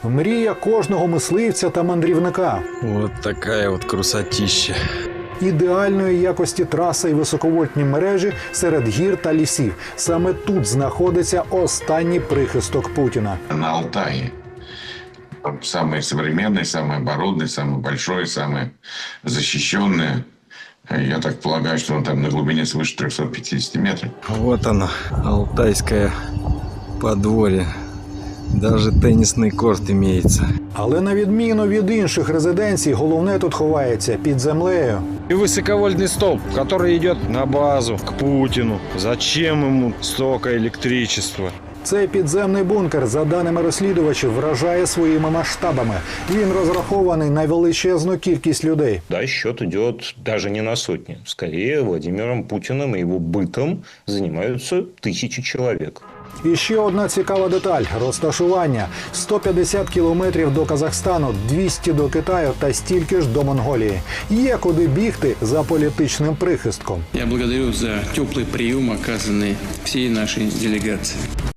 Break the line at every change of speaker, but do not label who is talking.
Мрія кожного мисливця та мандрівника.
Вот такая вот красотища.
Ідеальної якості траса і високовольтні мережі серед гір та лісів. Саме тут знаходиться останній прихисток Путіна.
На Алтае. Там самый современный, самый оборудованный, самый большой, самый защищенный. Я так полагаю, что он там на глубине свыше 350 метров.
Вот оно, алтайское подворье. Даже теннисный корт имеется.
Але на відміну від інших резиденцій, головне тут ховається під землею.
И высоковольтный столб, который идет на базу к Путину. Зачем ему столько электричества?
Цей підземний бункер, за даними розслідувачів, вражає своїми масштабами. Він розрахований на величезну кількість людей.
Да, счет идет даже не на сотни. Скорее, Владимиром Путиным и его бытом занимаются тысячи человек.
І ще одна цікава деталь – розташування. 150 кілометрів до Казахстану, 200 до Китаю та стільки ж до Монголії. Є куди бігти за політичним прихистком.
Я благодарю за теплый прием, оказанный всей нашей делегации.